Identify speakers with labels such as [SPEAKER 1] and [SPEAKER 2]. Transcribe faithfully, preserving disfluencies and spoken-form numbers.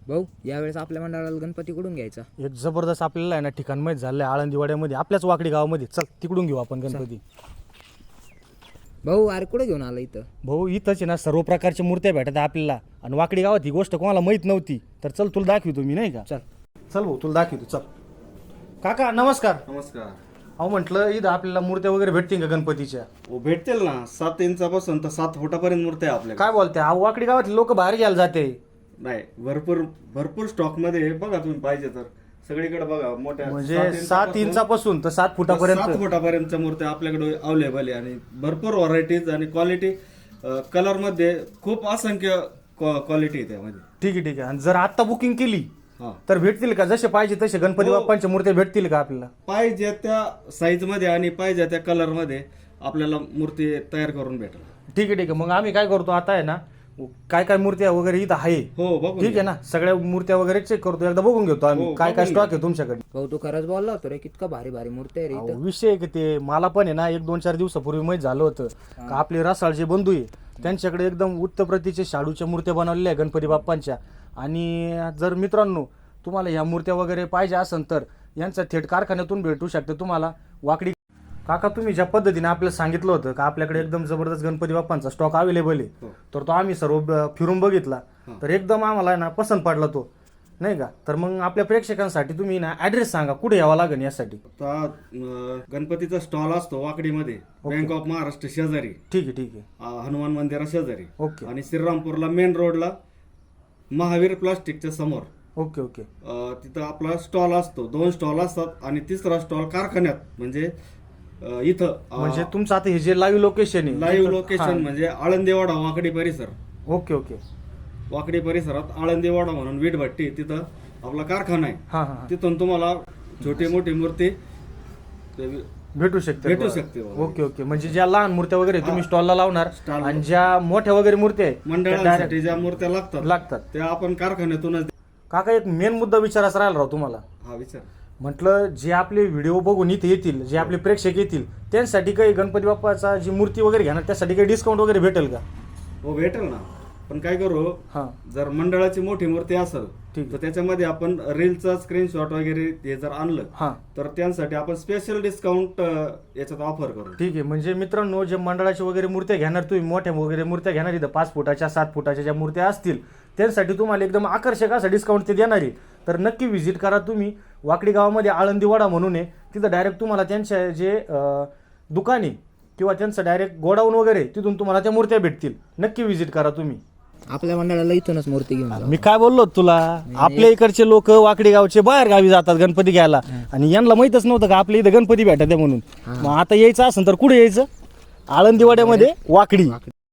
[SPEAKER 1] भाऊ यावेळेस आपल्या मंडळाला गणपती कुठून घ्यायचा?
[SPEAKER 2] एक जबरदस्त आपल्याला आहे ना ठिकाण माहीत झालं आहे आळंदीवाड्यामध्ये, आपल्याच वाकडी गावामध्ये. चल तिकडून घेऊ आपण गणपती.
[SPEAKER 1] भाऊ अरे कुठे घेऊन आला इथं?
[SPEAKER 2] भाऊ इथंच आहे ना सर्व प्रकारच्या मूर्त्या भेटत आहे आपल्याला, आणि वाकडी गावात ही गोष्ट कोणाला माहीत नव्हती. तर चल तुला दाखवतो मी, नाही का?
[SPEAKER 1] चल
[SPEAKER 2] चल भाऊ तुला दाखवतो. चल काका नमस्कार.
[SPEAKER 3] नमस्कार.
[SPEAKER 2] अहो म्हटलं इथं आपल्याला मूर्त्या वगैरे भेटतील का गणपतीच्या?
[SPEAKER 3] हो भेटतील ना, सात इंचापासून तर सात फुटापर्यंत मूर्ती आहे आपल्याकडे.
[SPEAKER 2] काय बोलते? अहो वाकडी गावातले लोक बाहेर घ्यायला जाते.
[SPEAKER 3] नाही, भरपूर भरपूर स्टॉक मध्ये आहे. बघा तुम्ही पाहिजे तर सगळीकडे बघा. मोठ्या
[SPEAKER 2] म्हणजे
[SPEAKER 3] सात
[SPEAKER 2] सात
[SPEAKER 3] इंचापासून
[SPEAKER 2] इंचापासून तर सात
[SPEAKER 3] सात
[SPEAKER 2] फुटापर्यंत.
[SPEAKER 3] फुटापर्यंतच्या मूर्त्या आपल्याकडे अवेलेबल आहे, आणि भरपूर व्हरायटीज आणि क्वालिटी. कलर मध्ये खूप असंख्य क्वालिटी आहे त्यामध्ये.
[SPEAKER 2] ठीक आहे ठीक आहे. आणि जर आता बुकिंग केली
[SPEAKER 3] हा,
[SPEAKER 2] तर भेटतील का? जसे पाहिजे तसे गणपती
[SPEAKER 3] हो.
[SPEAKER 2] बाप्पांच्या मूर्त्या भेटतील का आपल्याला?
[SPEAKER 3] पाहिजे त्या साईज मध्ये आणि पाहिजे त्या कलर मध्ये आपल्याला मूर्ती तयार करून भेटेल.
[SPEAKER 2] ठीक आहे ठीक आहे. मग आम्ही काय करतो आता आहे ना, काय काय मूर्त्या वगैरे इथं आहे,
[SPEAKER 3] हो बघू.
[SPEAKER 2] ठीक आहे ना, सगळ्या मूर्त्या वगैरे चेक करतो, एकदा बघून घेतो आम्ही
[SPEAKER 3] हो,
[SPEAKER 2] काय काय
[SPEAKER 3] बघून
[SPEAKER 2] स्टॉक
[SPEAKER 3] घ्या.
[SPEAKER 2] आहे तुमच्याकडे.
[SPEAKER 1] भाऊ तू खरंच बोलला होता रे, कितका भारी भारी मूर्ती आहे रे
[SPEAKER 2] अहो,
[SPEAKER 1] इथं.
[SPEAKER 2] विषय आहे की ते मला पण आहे ना एक दोन चार दिवसापूर्वी माहीत झालं होतं का आपले रसाळ जे बंधू आहे त्यांच्याकडे एकदम उत्तर प्रतीचे शाडूच्या मूर्त्या बनवलेल्या आहे गणपती बाप्पांच्या. आणि जर मित्रांनो तुम्हाला ह्या मूर्त्या वगैरे पाहिजे असेल तर यांचा थेट कारखान्यातून भेटू शकते तुम्हाला वाकडी. काका तुम्ही ज्या पद्धतीने आपल्याला सांगितलं होतं का आपल्याकडे एकदम जबरदस्त गणपती बाप्पांचा स्टॉक अवेलेबल आहे,
[SPEAKER 3] हो.
[SPEAKER 2] तर तो आम्ही सर्व ब- फिरून बघितला, तर एकदम आम्हाला आहे ना पसंत पडला तो, नाही का? तर मग आपल्या प्रेक्षकांसाठी तुम्ही ना ऍड्रेस सांगा कुठे यावं लागेल यासाठी.
[SPEAKER 3] आता अं, गणपतीचा स्टॉल असतो वाकडीमध्ये, बँक ऑफ महाराष्ट्र शेजारी,
[SPEAKER 2] ठीक आहे ठीक आहे.
[SPEAKER 3] अं, हनुमान मंदिरा शेजारी,
[SPEAKER 2] ओके
[SPEAKER 3] आणि श्रीरामपूरला मेन रोडला महावीर प्लास्टिकच्या समोर.
[SPEAKER 2] Okay okay.
[SPEAKER 3] अं, तिथं आपला स्टॉल असतो. दोन स्टॉल असतात, आणि तिसरा स्टॉल कारखान्यात, म्हणजे अं, इथं अं,
[SPEAKER 2] म्हणजे तुमचं आता हे जे लाईव्ह लोकेशन आहे,
[SPEAKER 3] लाईव्ह लोकेशन म्हणजे आळंदीवाडा वाकडी परिसर.
[SPEAKER 2] Okay okay.
[SPEAKER 3] वाकडी परिसरात आळंदीवाडा म्हणून वीटभट्टी, तिथं आपला कारखाना आहे.
[SPEAKER 2] हा हा.
[SPEAKER 3] तिथून तुम्हाला छोटी मोठी मूर्ती ते
[SPEAKER 2] भेटू शकते
[SPEAKER 3] भेटू
[SPEAKER 2] बरं.
[SPEAKER 3] शकते बाबा.
[SPEAKER 2] Okay okay. म्हणजे ज्या लहान मूर्त्या वगैरे तुम्ही स्टॉलला लावणार,
[SPEAKER 3] स्टॉल
[SPEAKER 2] आणि ज्या मोठ्या वगैरे मूर्त्या आहे त्या
[SPEAKER 3] मंडळांसाठी ज्या मूर्त्या लागतात
[SPEAKER 2] direct लागतात.
[SPEAKER 3] त्या आपण कारखान्यातूनच.
[SPEAKER 2] काका एक मेन मुद्दा विचारायचा राहिला राव तुम्हाला.
[SPEAKER 3] हा विचार.
[SPEAKER 2] म्हटलं जे आपले व्हिडिओ बघून इथे येतील, जे आपले प्रेक्षक येतील त्यांसाठी काही गणपती बाप्पाचा जी मूर्ती वगैरे घेणार त्यासाठी काही डिस्काउंट वगैरे भेटेल का?
[SPEAKER 3] हो भेटेल ना, पण काय करू,
[SPEAKER 2] हा
[SPEAKER 3] जर मंडळाची मोठी मूर्ती असेल
[SPEAKER 2] ठीक
[SPEAKER 3] तर त्याच्यामध्ये आपण रीलचा स्क्रीनशॉट वगैरे हे जर आणलं
[SPEAKER 2] हा
[SPEAKER 3] तर त्यांसाठी आपण स्पेशल डिस्काउंट याच्यात ऑफर करू.
[SPEAKER 2] ठीक आहे. म्हणजे मित्रांनो जे मंडळाची वगैरे मूर्त्या घेणार, तुम्ही मोठ्या वगैरे मूर्त्या घेणार इथं पाच फुटाच्या सात फुटाच्या ज्या मूर्त्या असतील त्यांसाठी तुम्हाला एकदम आकर्षक असा डिस्काउंट ते देणार आहे. तर नक्की व्हिजिट करा तुम्ही. वाकडी गावामध्ये आळंदीवाडा म्हणून आहे, तिथं डायरेक्ट तुम्हाला त्यांच्या जे अं, दुकान आहे किंवा त्यांचं डायरेक्ट गोडाऊन वगैरे तिथून तुम्हाला त्या मूर्त्या भेटतील. नक्की व्हिजिट करा तुम्ही.
[SPEAKER 1] आपल्या मंडळाला इथूनच मूर्ती घेऊन जाऊ.
[SPEAKER 2] मी काय बोललो तुला, आपल्या इकडचे लोक वाकडी गावचे बाहेर गावी जातात गणपती घ्यायला, आणि यांना माहितच नव्हतं का आपल्या इथं गणपती भेटत आहे म्हणून. मग आता यायचं असेल तर कुठे यायचं? आळंदीवाड्यामध्ये वाकडी.